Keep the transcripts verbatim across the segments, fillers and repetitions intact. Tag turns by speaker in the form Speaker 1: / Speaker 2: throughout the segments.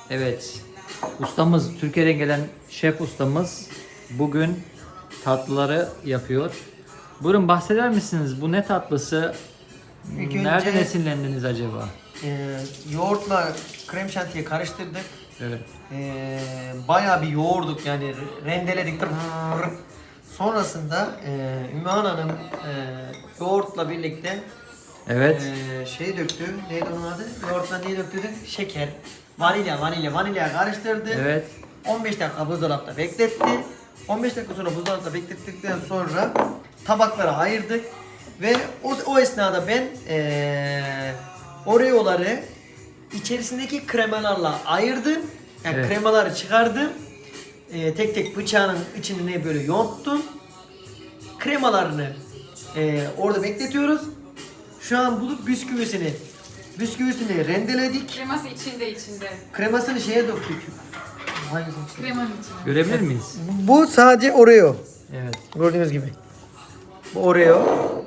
Speaker 1: Evet. Ustamız, Türkiye'den gelen şef ustamız bugün tatlıları yapıyor. Buyurun bahseder misiniz? Bu ne tatlısı?
Speaker 2: İlk
Speaker 1: Nereden
Speaker 2: önce-
Speaker 1: esinlendiniz acaba?
Speaker 2: Ee, yoğurtla krem şantiyi karıştırdık.
Speaker 1: Evet.
Speaker 2: Ee, bayağı bir yoğurduk yani rendeledik. Sonrasında e, Ümmühan Hanım e, yoğurtla birlikte
Speaker 1: Evet.
Speaker 2: e, şey döktü. Neydi onun adı? Yoğurtla neyi döktü? Şeker. Vanilya, vanilya, vanilya karıştırdı.
Speaker 1: Evet.
Speaker 2: on beş dakika buzdolapta bekletti. on beş dakika sonra buzdolapta beklettikten sonra tabaklara ayırdık. Ve o, o esnada ben eee Oreo'ları içerisindeki kremalarla ayırdım. Yani
Speaker 1: Evet.
Speaker 2: kremaları çıkardım. Eee, tek tek bıçağın içine böyle yonttum. Kremalarını eee, orada bekletiyoruz. Şu an bulup bisküvisini bisküvisini rendeledik.
Speaker 3: Kreması içinde içinde.
Speaker 2: Kremasını şeye döktük. Hangisini?
Speaker 3: Kremanın içinde.
Speaker 1: Görebilir miyiz?
Speaker 2: Bu sadece Oreo.
Speaker 1: Evet.
Speaker 2: Gördüğünüz gibi. Bu Oreo.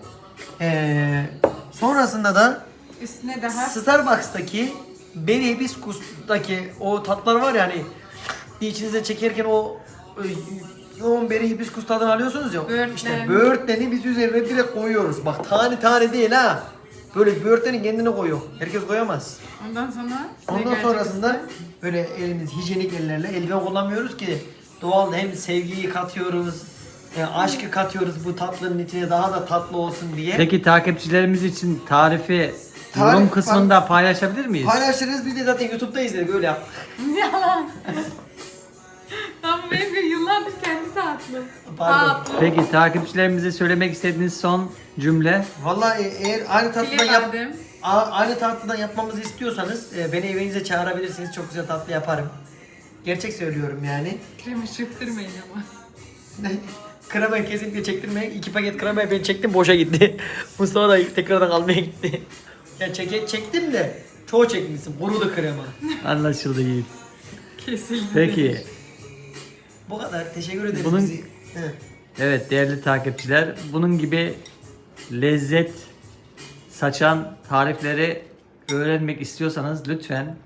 Speaker 2: Ee, sonrasında da
Speaker 3: Üstüne daha
Speaker 2: Starbucks'taki Berry Hibiscus'taki o tatlar var ya hani içinize çekerken o e, yoğun Berry Hibiscus tadını alıyorsunuz ya.
Speaker 3: Böğürtlen.
Speaker 2: İşte böğürtleni biz üzerine direkt koyuyoruz. Bak tane tane değil ha. Böyle böğürtleni kendine koyuyor. Herkes koyamaz.
Speaker 3: ondan sonra
Speaker 2: Ondan sonrasında böyle elimiz hijyenik ellerle eldiven kullanmıyoruz ki doğal hem sevgiyi katıyoruz, e, aşkı katıyoruz bu tatlının içine daha da tatlı olsun diye.
Speaker 1: Peki takipçilerimiz için tarifi
Speaker 2: Tarif
Speaker 1: yorum
Speaker 2: var.
Speaker 1: kısmında paylaşabilir miyiz?
Speaker 2: Paylaşırız biz de zaten YouTube'da izledik öyle yap.
Speaker 3: yalan. Tam bu benim bir yıllardır kendi tatlım.
Speaker 2: Pardon.
Speaker 3: Tatlı.
Speaker 1: Peki takipçilerimize söylemek istediğiniz son cümle?
Speaker 2: Vallahi eğer aynı tatlıdan yap
Speaker 3: Bilemedim.
Speaker 2: A- aynı tatlıdan yapmamızı istiyorsanız e, beni evinize çağırabilirsiniz. Çok güzel tatlı yaparım. Gerçek söylüyorum yani.
Speaker 3: Krema çırptırmayın ama.
Speaker 2: Kremayı kesinlikle çektirmeyin. İki paket kremayı ben çektim boşa gitti. Mustafa da tekrardan almaya gitti. Ya çeke, çektim de çoğu çekmişsin. Kurudu krema.
Speaker 1: Anlaşıldı Yiğit.
Speaker 3: Kesildi.
Speaker 1: Peki.
Speaker 2: Bu kadar. Teşekkür ederiz
Speaker 1: Bunun-
Speaker 2: bizi. He.
Speaker 1: Evet değerli takipçiler, bunun gibi lezzet saçan tarifleri öğrenmek istiyorsanız lütfen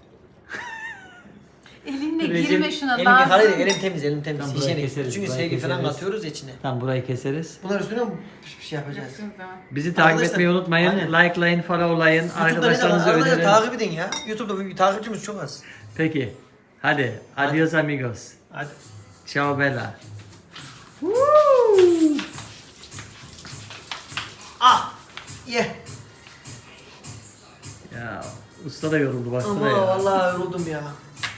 Speaker 3: Elinle
Speaker 1: Recep-
Speaker 3: girme şuna
Speaker 2: Elim,
Speaker 3: lazım.
Speaker 2: hayır, elim temiz, elim temiz.
Speaker 1: Tamam, burayı
Speaker 2: Hijyenik.
Speaker 1: keseriz,
Speaker 2: Çünkü
Speaker 1: burayı
Speaker 2: sevgi falan
Speaker 1: keseriz.
Speaker 2: katıyoruz ya içine.
Speaker 1: tam burayı keseriz.
Speaker 2: Bunlar üstüne mi bir şey yapacağız?
Speaker 3: Yapacağız daha.
Speaker 1: Bizi takip
Speaker 2: Arkadaşlar,
Speaker 1: etmeyi unutmayın.
Speaker 2: aynen.
Speaker 1: Likelayın, followlayın.
Speaker 2: YouTube'da ne zaman?
Speaker 1: Arkadaşlarınızı
Speaker 2: Arkadaşlar
Speaker 1: önerin.
Speaker 2: takip edin ya. YouTube'da bir takipçimiz çok az.
Speaker 1: Peki. Hadi. Adios amigos.
Speaker 2: Hadi.
Speaker 1: Ciao bella.
Speaker 2: Ah! Ye.
Speaker 1: Ya usta da yoruldu baksana
Speaker 2: Ama
Speaker 1: ya.
Speaker 2: vallahi yoruldum ya.